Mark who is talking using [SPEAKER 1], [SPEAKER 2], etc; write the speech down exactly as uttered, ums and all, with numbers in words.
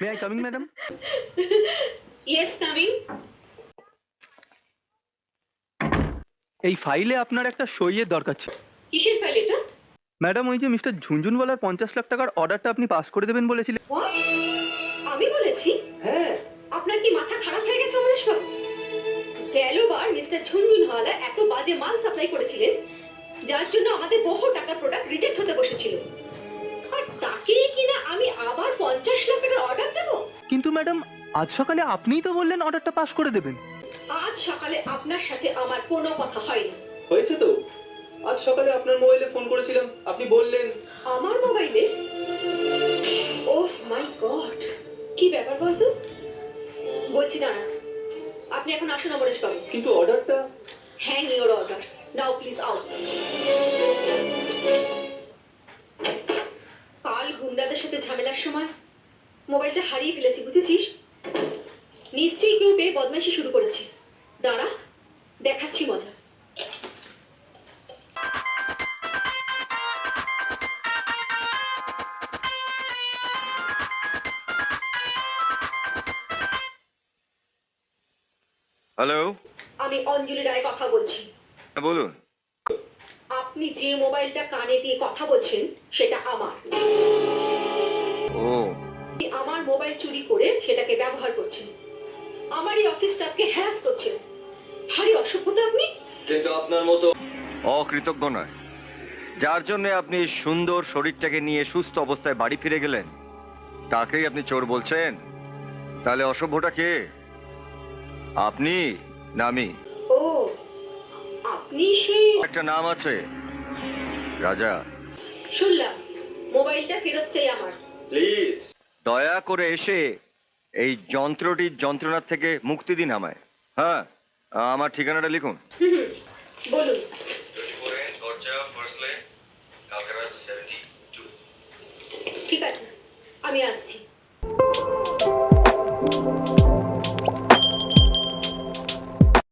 [SPEAKER 1] May I coming madam?
[SPEAKER 2] Yes coming.
[SPEAKER 1] এই ফাইলে আপনার একটা সইয়ের দরকার ছিল।
[SPEAKER 2] কিসের ফাইল এটা?
[SPEAKER 1] ম্যাডাম, ওই যে মিস্টার ঝুনঝুনওয়ালার পঞ্চাশ লাখ টাকার অর্ডারটা আপনি পাস করে দেবেন বলেছিলেন।
[SPEAKER 2] হোয়াট? আমি বলেছি?
[SPEAKER 1] হ্যাঁ।
[SPEAKER 2] আপনার কি মাথা খারাপ হয়ে গেছে অমরেশ বাবু? গেলবার মিস্টার ঝুনঝুনওয়ালা এত বাজে মাল সাপ্লাই করেছিলেন যার জন্য আমাদের বহু টাকা প্রোডাক্ট রিজেক্ট হতে বসেছিল, আর তাকেই কিনা আমি আবার পঞ্চাশ লাখ টাকার অর্ডার দেবো?
[SPEAKER 1] কিন্তু ম্যাডাম, আজ সকালে আপনিই তো বললেন অর্ডারটা পাস করে দেবেন।
[SPEAKER 2] আজ সকালে আপনার সাথে আমার কোনো কথা হয়নি।
[SPEAKER 1] হয়েছে তো, আজ সকালে আপনার মোবাইলে ফোন করেছিলাম, আপনি বললেন।
[SPEAKER 2] আমার মোবাইলে? ওহ মাই গড, কি ব্যাপার বলতো? বলছি দাঁড়া, আপনি এখন আসুন অমরেশ বাবু।
[SPEAKER 1] কিন্তু অর্ডারটা?
[SPEAKER 2] Hang your order now please out. কাল গুন্ডাদের সাথে ঝামেলার সময় মোবাইলটা হারিয়ে ফেলেছি, বুঝেছিস? নিশ্চয়ই কেউ পেয়ে বদমাইশি শুরু করেছে। দাঁড়া, দেখাচ্ছি মজা।
[SPEAKER 3] হ্যালো,
[SPEAKER 2] আমি অঞ্জলি রায় কথা বলছি।
[SPEAKER 3] বলুন।
[SPEAKER 2] আপনি যে মোবাইলটা কানে দিয়ে কথা বলছেন সেটা আমার।
[SPEAKER 3] ও,
[SPEAKER 2] আপনি আমার মোবাইল চুরি করে সেটাকে ব্যবহার করছেন, আমারই অফিস স্টাফকে হ্যারাস করছেন। ভারী অসভ্যতা আপনি।
[SPEAKER 1] কিন্তু আপনার মতো
[SPEAKER 3] অকৃতজ্ঞ নয়, যার জন্য আপনি সুন্দর শরীরটাকে নিয়ে সুস্থ অবস্থায় বাড়ি ফিরে গেলেন, তাকেই আপনি চোর বলছেন? তাহলে অসভ্যটা কে, আপনি না আমি?
[SPEAKER 2] ও, আপনি সেই।
[SPEAKER 3] একটা নাম আছে, রাজা।
[SPEAKER 2] শুনলাম মোবাইলটা ফেরত চাই আমার।
[SPEAKER 1] প্লিজ
[SPEAKER 3] দয়া করে এসে এই যন্ত্রটির যন্ত্রণার থেকে মুক্তি দিন আমায়। হ্যাঁ, আমার ঠিকানাটা লিখুন।
[SPEAKER 2] হুম হুম, বলুন। ঠিক আছে, আমি আসছি।